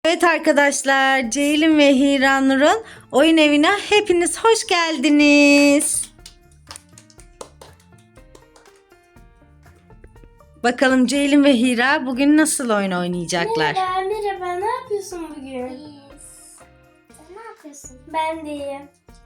Evet arkadaşlar, Ceylin ve Hiranur'un oyun evine hepiniz hoş geldiniz. Bakalım Ceylin ve Hira bugün nasıl oyun oynayacaklar? Merhaba, ne yapıyorsun bugün? İyiyiz. Sen ne yapıyorsun? Ben de iyiyim.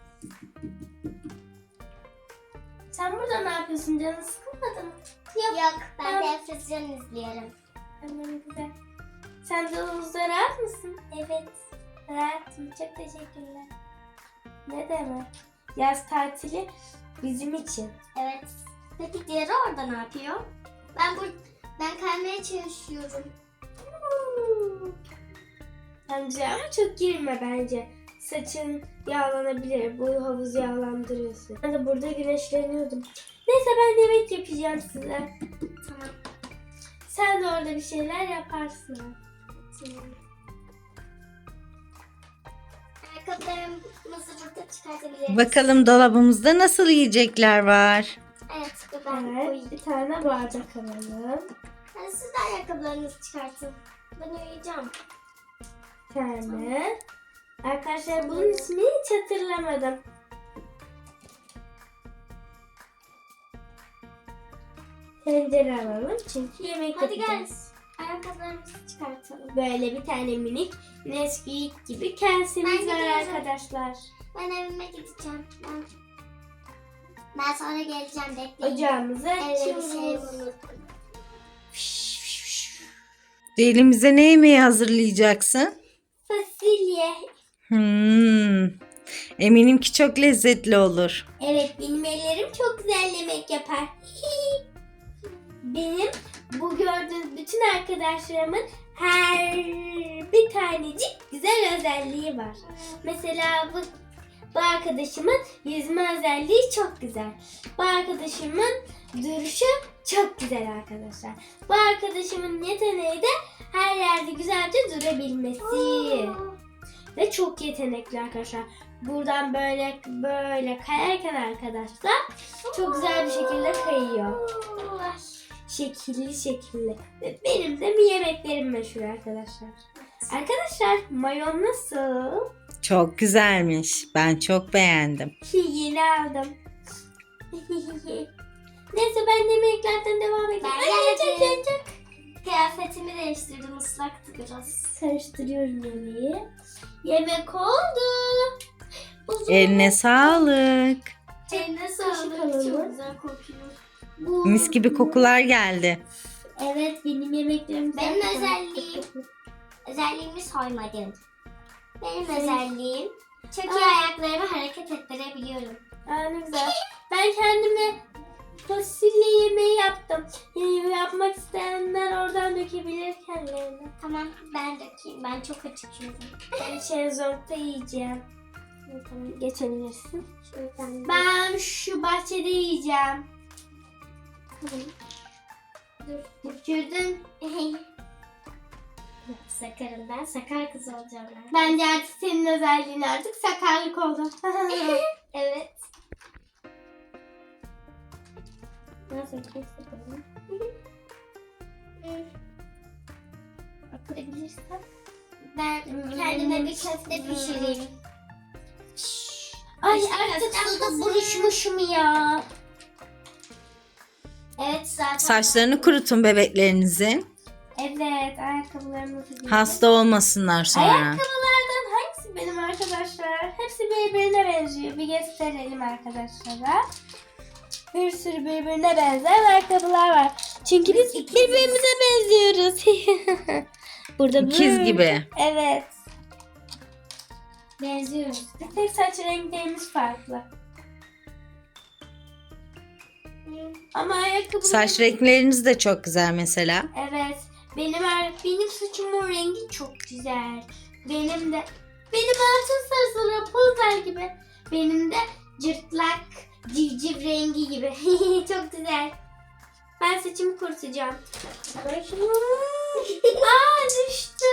Sen burada ne yapıyorsun? Canın sıkılmadı mı? Yok, ben televizyon izliyorum. Tamam, güzel. Sen de havuzda rahat mısın? Evet. Rahatım, çok teşekkürler. Ne demek? Yaz tatili bizim için. Evet. Peki diğeri orada ne yapıyor? Ben kaymaya çalışıyorum. Bence ama çok girme bence. Saçın yağlanabilir. Bu havuz yağlandırıyorsun. Ben de burada güneşleniyordum. Neyse ben yemek yapacağım size. Tamam. Sen de orada bir şeyler yaparsın. Tamam. Ayakkabılarımızı burada çıkartabiliriz. Bakalım dolabımızda nasıl yiyecekler var? Evet, ben Evet, koyayım. bir tane bardak alalım. Yani siz de ayakkabılarınızı çıkartın. Ben uyuyacağım. Bir tane. Arkadaşlar bunun ismini hiç hatırlamadım. Tencere alalım çünkü yemek Hadi gel. yapacağız. Ayakkabılarımızı çıkartalım. Böyle bir tane minik Nesquik gibi kasemiz Ben var gidiyorum. arkadaşlar. Ben evime gideceğim. Ben sonra geleceğim, bekleyin. Ocağımızı Evde bir şey açıyoruz. unuttum. Ceylin bize ne yemeği hazırlayacaksın? Fasulye. Eminim ki çok lezzetli olur. Evet, benim ellerim çok güzel yemek yapar. Benim bu gördüğünüz bütün arkadaşlarımın her bir tanecik güzel özelliği var. Mesela bu arkadaşımın yüzme özelliği çok güzel. Bu arkadaşımın duruşu çok güzel arkadaşlar. Bu arkadaşımın yeteneği de her yerde güzelce durabilmesi. Ve çok yetenekli arkadaşlar. Buradan böyle kayarken arkadaşlar çok güzel bir şekilde kayıyor. Şekilli. Ve benim de bir yemeklerim meşhur arkadaşlar. Arkadaşlar mayon nasıl? Çok güzelmiş. Ben çok beğendim. Yeni aldım. Neyse ben yemeklerden devam edeyim. Ben geldim. Kıyafetimi değiştirdim, ıslaktı biraz. Karıştırıyorum yemeği. Yemek oldu. Eline sağlık. Eline Kaşık sağlık, alalım. çok güzel kokuyor. Mis gibi kokular geldi. Evet benim yemeklerim. Benim zaten- özelliğimi soymadın. Benim Şey- özelliğim çok iyi ayaklarımı hareket ettirebiliyorum. Aa, ne güzel. Ben kendime fasulye yemeği yaptım. Yapmak isteyenler oradan dökebilir kendilerine. Tamam, ben dökeyim. Ben çok acıkıyorum. Ben şezlongda yiyeceğim. Tamam, geçebilirsin. Şuradan Ben şu bahçede yiyeceğim. dur. Düşürdün. Sakarım ben. Sakar kız olacağım ben. Bence artık senin özelliğin artık sakarlık oldu. Evet. Nasıl kesin? Atabilirsen. Ben kendime bir köfte pişireyim. Ay İşte artık köftem suda hazır. buruşmuşum ya. Evet, zaten. Saçlarını kurutun bebeklerinizin. Evet ayakkabılarımı giyiyorum. Hasta olmasınlar sonra. Ayakkabılardan hangisi benim arkadaşlar? Hepsi birbirine benziyor. Bir gösterelim arkadaşlara. Bir sürü birbirine benzer ayakkabılar var. Çünkü biz birbirimize benziyoruz. Burada İkiz böyle- gibi. Evet. Benziyoruz. Bir tek saç renklerimiz farklı. Ama ayakkabılar... Saç renkleriniz de çok güzel mesela. Evet. Benim saçımın rengi çok güzel. Benim altın sarısı Rapunzel gibi. Benim de cırtlak civciv rengi gibi. Çok güzel. Ben saçımı kurutacağım. Ben şunu... Aa düştü.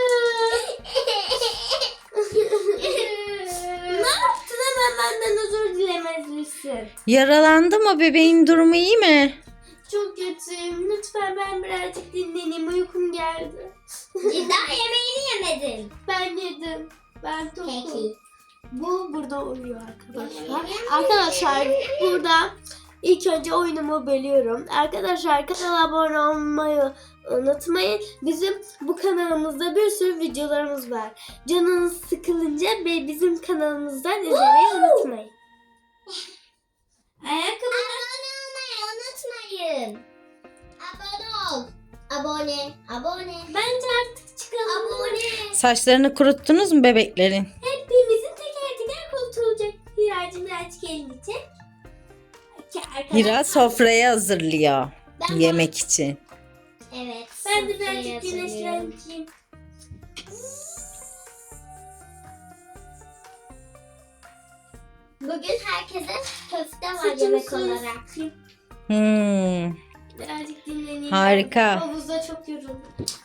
Ne yaptın, hemen benden özür dilemezmişsin. Yaralandı mı bebeğin, durumu iyi mi? Çok kötüyüm. Lütfen ben birazcık dinleneyim. Uykum geldi. Daha yemeğini yemedin. Ben yedim. Ben tokum. Peki. Bu burada uyuyor arkadaşlar. Arkadaşlar burada ilk önce oyunumu bölüyorum. Arkadaşlar kanala abone olmayı unutmayın. Bizim bu kanalımızda bir sürü videolarımız var. Canınız sıkılınca bizim kanalımızdan izlemeyi unutmayın. Ayakkabı Abone olmayı unutmayın. Abone ol. Abone. bence artık çıkalım. Abone. Saçlarını kuruttunuz mu bebeklerin? Hepimizin teker teker kurtulacak. Hiracığım birazcık elini çek. Hira sofrayı hazırlıyor Ben yemek için. Evet. Ben de sofrayı birazcık hazırlıyorum. güneşleneceğim. Bugün herkese köfte var Saçımı yemek suyu olarak. sıkayım. Birazcık dinleneyim. Harika. Havuzda çok yoruldum.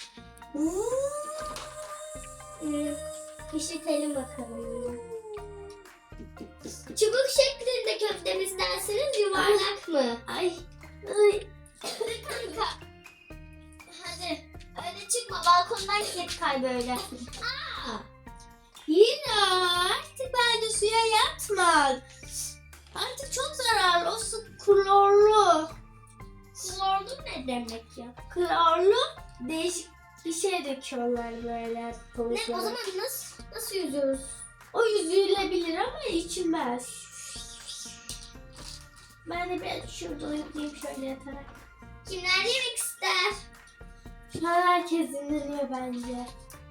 Pişirtelim bakalım. Çubuk şeklinde köfte mi isterseniz yuvarlak mı? Ay. Hadi kanka. Hadi. Öyle çıkma balkondan git kay böyle. Hira artık bence suya yatma. Artık çok zararlı. O su klorlu. Klorlu ne demek ya? Klorlu değişik bir şey döküyorlar böyle Ne havuzlara. o zaman nasıl yüzüyoruz? O yüzülebilir ama içilmez. Ben de biraz şurada uyuyayım şöyle yatarak. Kimler yemek ister? Şu an herkes dinleniyor bence.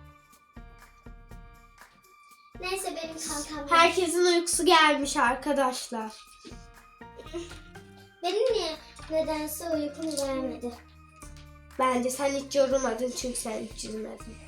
Neyse benim kankam. yok. Herkesin uykusu gelmiş arkadaşlar. Benim niye nedense uykum gelmedi. Bence sen hiç yorulmadın çünkü sen hiç yürümedin.